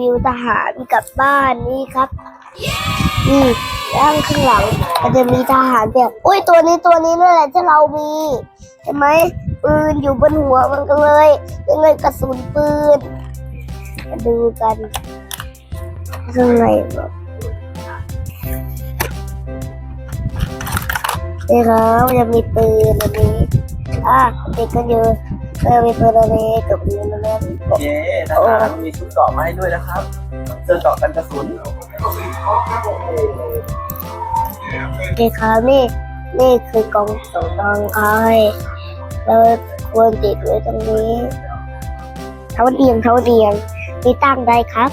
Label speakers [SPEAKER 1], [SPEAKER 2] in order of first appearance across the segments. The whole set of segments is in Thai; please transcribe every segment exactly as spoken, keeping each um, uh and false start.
[SPEAKER 1] วทหารกลับบ้านนี่ครับนี่ด้านข้างหลังมันจะมีทหารแบบอุ้ยตัวนี้ตัวนี้นั่นแหละที่เรามีเห็นไหมปืนอยู่บนหัวมันก็เลยยังไงกระสุนปืนมาดูกันข้างในแบบนี่ครับมันจะมีปืนอันนี้อ่ะเด็กก็เยอะก็มีปืนอันนี้กับปืนอันนั้น
[SPEAKER 2] เย้ทหารมีชุดเกราะมาให้ด้วยนะครับเสื้อเกราะกันกระสุน
[SPEAKER 1] โอเคครับนี่นี่คือกองสำรองคอยเราควรติดไว้ตรงนี้เท้าเอียงเท้าเอียงนี่ตั้งได้ครับ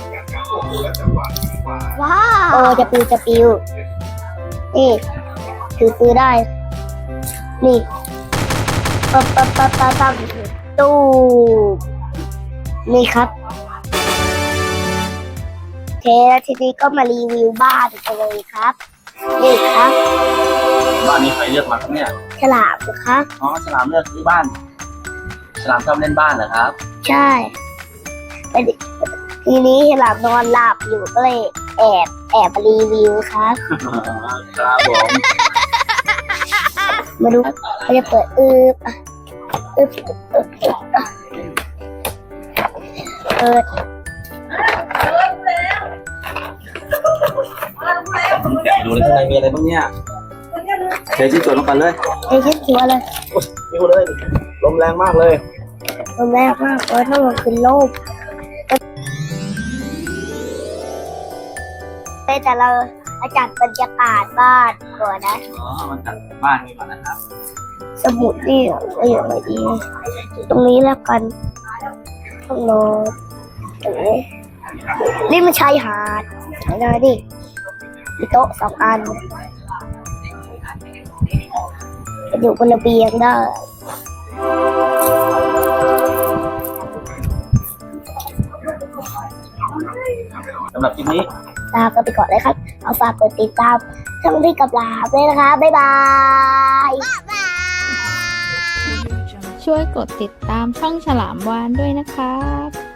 [SPEAKER 1] ว้าวโอ้จะปิวจะปิวนี่ถือปืนได้นี่ปั๊บปั๊บปั๊บปั๊บปั๊บตู้นี่ครับโอเคแล้วทีนี้ก็มารีวิวบ้านกันเลยครับนี่ครับ
[SPEAKER 2] บ้านนี้ใครเลือกมาครับเนี่ย
[SPEAKER 1] ฉลามนะครับ
[SPEAKER 2] อ๋อฉลามเลือกซื้อบ้านฉลามชอบเล่นบ้านเหรอครับ
[SPEAKER 1] ใช่แต่ทีนี้ฉลามนอนหลับอยู่ก็เลยแอบแอบรีวิวครับ
[SPEAKER 2] ครับผม
[SPEAKER 1] มาดูเราจะเปิดอึบอ่ะอึบอึบอึบอึบอ่ะเปิด
[SPEAKER 2] แกะดูเลยข้างในมีอะไรบ้างเนี่ยเทชิ้นส่วนลงไปเลย
[SPEAKER 1] ไอ้ชิ้นหัวเลย
[SPEAKER 2] นี่เลยลมแรงมากเลย
[SPEAKER 1] มันแรกมากเพราะถ้ามันคือโลกแต่เราอาจารย์บรรยากาศบ้านก่อนนะ
[SPEAKER 2] อ๋อมันจัดบ้านนี้ก่อนนะครับ
[SPEAKER 1] สมุดนี่ก็อย่างไรดีตรงนี้แล้วกันห้องนอนตรงนี้นี่มันชายหาดไหนเลยดิมีโต๊ะสองอันจะอยู่บนระเบียงได้
[SPEAKER 2] สำหรับคลิปนี้
[SPEAKER 1] ลาก็ไปก่อนเลยครับเอาฝากกดติดตามช่องที่กับลาด้วยนะคะบ๊ายบาย
[SPEAKER 3] ช่วยกดติดตามช่องฉลามวานด้วยนะครับ